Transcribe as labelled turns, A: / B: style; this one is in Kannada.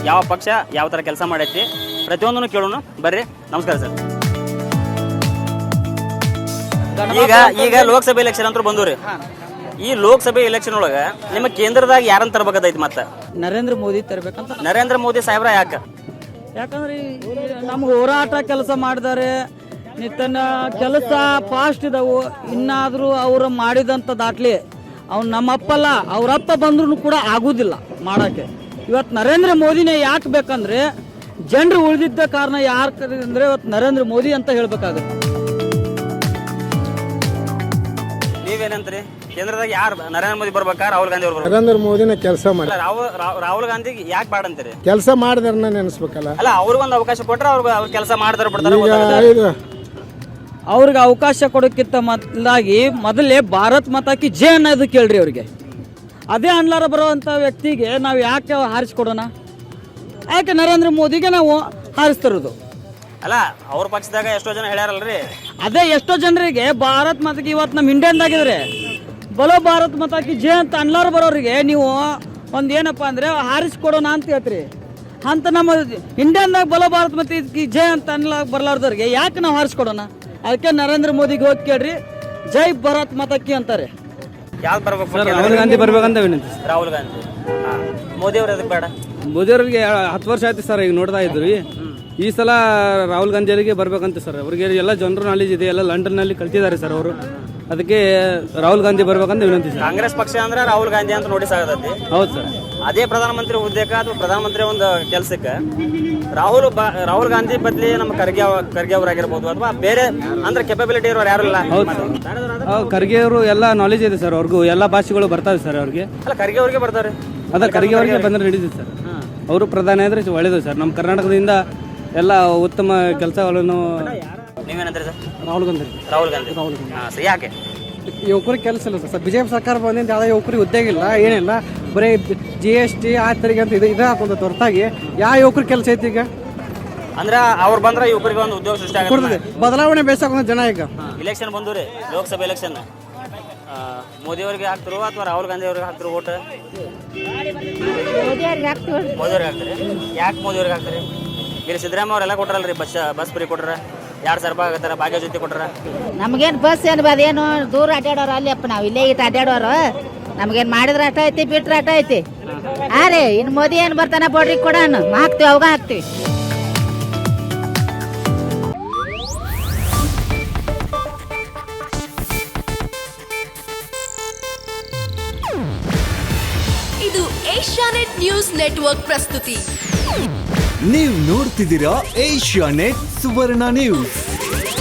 A: ಯಾವ ಪಕ್ಷ ಯಾವ ಥರ ಕೆಲಸ ಮಾಡೈತಿ ಪ್ರತಿಯೊಂದನ್ನು ಕೇಳೋಣ ಬರ್ರಿ. ನಮಸ್ಕಾರ ಸರ್. ಈಗ ಲೋಕಸಭೆ ಎಲೆಕ್ಷನ್ ಅಂತೂ ಬಂದವ್ರಿ. ಈ ಲೋಕಸಭೆ ಎಲೆಕ್ಷನ್ ಒಳಗೆ ನಿಮ್ಮ ಕೇಂದ್ರದಾಗ ಯಾರನ್ನ ತರಬೇಕಾದೈತಿ? ಮತ್ತೆ
B: ನರೇಂದ್ರ ಮೋದಿ ತರಬೇಕಂತ.
A: ನರೇಂದ್ರ ಮೋದಿ ಸಾಹೇಬ್ರ
B: ಯಾಕಂದ್ರೆ ನಮ್ಗೆ ಹೋರಾಟ ಕೆಲಸ ಮಾಡಿದ್ದಾರೆ, ನಿತ್ತನ ಕೆಲಸ ಫಾಸ್ಟ್ ಇದಾವು. ಇನ್ನಾದರೂ ಅವರು ಮಾಡಿದಂಥ ದಾಖಲೆ ಅವ್ನು ನಮ್ಮಪ್ಪಲ್ಲ, ಅವರಪ್ಪ ಬಂದ್ರೂ ಕೂಡ ಆಗುದಿಲ್ಲ ಮಾಡೋಕ್ಕೆ. ಇವತ್ತು ನರೇಂದ್ರ ಮೋದಿನೇ ಯಾಕೆ ಬೇಕಂದ್ರೆ ಜನರು ಉಳಿದಿದ್ದ ಕಾರಣ ಯಾರು ಅಂದ್ರೆ ಇವತ್ತು ನರೇಂದ್ರ ಮೋದಿ ಅಂತ ಹೇಳ್ಬೇಕಾಗುತ್ತೆ.
A: ನೀವೇನಂತ್ರಿ? ಕೇಂದ್ರದಾಗ ಯಾರು ನರೇಂದ್ರ ಮೋದಿ ಬರ್ಬೇಕಾ ರಾಹುಲ್ ಗಾಂಧಿ ಅವ್ರು?
C: ನರೇಂದ್ರ ಮೋದಿನ ಕೆಲಸ ಮಾಡಿ
A: ರಾಹುಲ್ ಗಾಂಧಿ ಯಾಕೆ ಬಾಡ ಅಂತೀರಿ?
C: ಕೆಲಸ ಮಾಡಿದಾರನ್ನ ನೆನೆಸ್ಬೇಕಲ್ಲ.
A: ಅಲ್ಲ, ಅವ್ರಿಗೊಂದು ಅವಕಾಶ ಕೊಟ್ರೆ ಅವ್ರ ಕೆಲಸ ಮಾಡ್ತಾರೆ ಬಿಡ್ತಾರೆ.
B: ಅವ್ರಿಗೆ ಅವಕಾಶ ಕೊಡೋಕ್ಕಿಂತ ಮೊದಲೇ ಭಾರತ್ ಮಾತಾ ಕಿ ಜೈ ಅನ್ನೋದು ಕೇಳ್ರಿ ಅವ್ರಿಗೆ. ಅದೇ ಅನ್ಲಾರ ಬರುವಂಥ ವ್ಯಕ್ತಿಗೆ ನಾವು ಯಾಕೆ ಹಾರಿಸ್ಕೊಡೋಣ? ಯಾಕೆ ನರೇಂದ್ರ ಮೋದಿಗೆ ನಾವು ಹಾರಿಸ್ತಿರೋದು?
A: ಅಲ್ಲ, ಅವ್ರ ಪಕ್ಷದಾಗ ಎಷ್ಟೋ ಜನ ಹೇಳ್ಯಾರಲ್ರಿ.
B: ಅದೇ ಎಷ್ಟೋ ಜನರಿಗೆ ಭಾರತ್ ಮಾತಾಕಿ ಇವತ್ತು ನಮ್ಮ ಇಂಡಿಯನ್ದಾಗಿದ್ರೆ ಬಲೋ ಭಾರತ್ ಮಾತಾಕಿ ಜೈ ಅಂತ ಅನ್ಲಾರ ಬರೋರಿಗೆ ನೀವು ಒಂದು ಏನಪ್ಪ ಅಂದರೆ ಹಾರಿಸ್ಕೊಡೋಣ ಅಂತ ಹೇಳ್ತೀರಿ. ಅಂತ ನಮ್ಮ ಇಂಡಿಯನ್ದಾಗ ಬಲೋ ಭಾರತ್ ಮಾತಾಕಿ ಜೈ ಅಂತ ಬರ್ಲಾರ್ದವ್ರಿಗೆ ಯಾಕೆ ನಾವು ಹಾರಿಸ್ಕೊಡೋಣ? ಅದಕ್ಕೆ ನರೇಂದ್ರ ಮೋದಿಗೆ ಹೋಗಿ ಕೇಳ್ರಿ, ಜೈ ಭಾರತ್ ಮಾತಾಕಿ ಅಂತಾರೆ.
A: ಯಾವ್ದು ಬರ್ಬೇಕು?
D: ರಾಹುಲ್ ಗಾಂಧಿ ಬರ್ಬೇಕಂತ ವಿನಂತಿ.
A: ರಾಹುಲ್ ಗಾಂಧಿ. ಮೋದಿ ಅವ್ರು ಅದಕ್ಕೆ ಬೇಡ?
D: ಮೋದಿ ಅವ್ರಿಗೆ 10 ವರ್ಷ ಆಯ್ತು ಸರ್, ಈಗ ನೋಡ್ತಾ ಇದ್ರಿ. ಈ ಸಲ ರಾಹುಲ್ ಗಾಂಧಿ ಅವರಿಗೆ ಬರ್ಬೇಕಂತ ಸರ್. ಅವ್ರಿಗೆ ಎಲ್ಲ ಜನರು ನಾಲೆಜ್ ಇದೆ, ಎಲ್ಲ ಲಂಡನ್ನಲ್ಲಿ ಕಲ್ತಿದ್ದಾರೆ ಸರ್ ಅವರು. ಅದಕ್ಕೆ ರಾಹುಲ್ ಗಾಂಧಿ ಬರ್ಬೇಕಂತ ವಿನಂತಿ ಸರ್.
A: ಕಾಂಗ್ರೆಸ್ ಪಕ್ಷ ಅಂದ್ರೆ ರಾಹುಲ್ ಗಾಂಧಿ ಅಂತ ನೋಡಿ ಸಾಗತೈತಿ.
D: ಹೌದು ಸರ್.
A: ಅದೇ ಪ್ರಧಾನಮಂತ್ರಿ ಹುದ್ದೆಗೆ ಅಥವಾ ಪ್ರಧಾನಮಂತ್ರಿ ಒಂದು ಕೆಲಸಕ್ಕೆ ರಾಹುಲ್ ಗಾಂಧಿ ಬದಲಿ ನಮ್ಮ ಖರ್ಗೆ ಅವರಾಗಿರ್ಬೋದು ಅಥವಾ ಬೇರೆ ಅಂದ್ರೆ ಕೆಪಬಿಲಿಟಿ ಇರೋರು ಯಾರು ಇಲ್ಲ.
D: ಖರ್ಗೆ ಅವರು ಎಲ್ಲ ನಾಲೆಜ್ ಇದೆ ಸರ್, ಅವ್ರಿಗೂ ಎಲ್ಲ ಭಾಷೆಗಳು ಬರ್ತಾವೆ ಸರ್ ಅವ್ರಿಗೆ.
A: ಅಲ್ಲ, ಖರ್ಗೆ ಅವ್ರಿಗೆ ಬರ್ತಾರೆ.
D: ಅದ ಖರ್ಗೆ ಅವರಿಗೆ ಬಂದ್ರೆ ನಡೀತದೆ ಸರ್. ಅವರು ಪ್ರಧಾನಿ ಆದರೆ ಒಳ್ಳೇದು ಸರ್. ನಮ್ಮ ಕರ್ನಾಟಕದಿಂದ ಎಲ್ಲ ಉತ್ತಮ ಕೆಲಸಗಳನ್ನು.
A: ನೀವೇನಂದ್ರೆ ಸರ್?
D: ರಾಹುಲ್ ಗಾಂಧಿ.
A: ಸರ್, ಯಾಕೆ?
D: ಯುವಕರಿಗೆ ಕೆಲಸ ಇಲ್ಲ ಸರ್. ಬಿಜೆಪಿ ಸರ್ಕಾರ ಬಂದಿಂದ ಯಾವುದೇ ಯುವಕರಿಗೆ ಉದ್ಯೋಗ ಇಲ್ಲ, ಏನಿಲ್ಲ. ಬರೀ GST ಆ ತೆರಿಗೆ ಅಂತ ಇದು ಹಾಕೊಂಡ ಹೊರತಾಗಿ ಯಾವ ಯುವಕರಿಗೆ ಕೆಲಸ ಐತಿ ಈಗ?
A: ಅಂದ್ರೆ ಅವ್ರು ಬಂದ್ರೆ ಯುವಕರಿಗೆ ಒಂದು ಉದ್ಯೋಗ ಸೃಷ್ಟಿ ಆಗುತ್ತೆ.
D: ಬದಲಾವಣೆ ಬೇಸಾಕೊಂಡ ಜನ ಈಗ.
A: ಇಲೆಕ್ಷನ್ ಬಂದು ರೀ, ಲೋಕಸಭೆ ಎಲೆಕ್ಷನ್. ಮೋದಿ ಅವ್ರಿಗೆ ಹಾಕ್ತಿರೋ ಅಥವಾ ರಾಹುಲ್ ಗಾಂಧಿ ಅವ್ರಿಗೆ ಹಾಕ್ತಿರೋ ಓಟ್? ಮೋದಿ ಅವ್ರಿಗೆ ಹಾಕ್ತೀರಿ. ಯಾಕೆ ಮೋದಿ ಅವ್ರಿಗೆ ಹಾಕ್ತೀರಿ? ಇಲ್ಲಿ ಸಿದ್ದರಾಮಯ್ಯ ಅವರೆಲ್ಲ ಕೊಟ್ರಲ್ರಿ, ಬಸ್ ಫ್ರೀ ಕೊಟ್ರ, 2,000 ರೂಪಾಯಿ ಆಗತ್ತಾರ, ಭಾಗ್ಯ ಜೊತೆ ಕೊಟ್ರ.
E: ನಮಗೇನು ಬಸ್ ಏನು ಅದೇನು ದೂರ ಅಡ್ಡಾಡೋರು ಅಲ್ಲಿ ಅಪ್ಪ, ನಾವು ಇಲ್ಲೇ ಇಟ್ಟು ಅಡ್ಡಾಡೋರು. ನಮಗೇನು ಮಾಡಿದ್ರೆ ಅಟ ಐತಿ, ಬಿಟ್ರೆ ಅಟ ಐತಿ. ರೀ ಇನ್ನು ಮೋದಿ ಏನು ಬರ್ತಾನ ಬೋಡ್ರಿ ಕೊಡೋಣ, ಹಾಕ್ತೀವಿ, ಅವಾಗ ಹಾಕ್ತೀವಿ.
F: ಇದು ಏಷ್ಯಾನೆಟ್ ನ್ಯೂಸ್ ನೆಟ್ವರ್ಕ್ ಪ್ರಸ್ತುತಿ.
G: ನೀವು ನೋಡ್ತಿದ್ದೀರಾ ಏಷ್ಯಾನೆಟ್ ಸುವರ್ಣ ನ್ಯೂಸ್.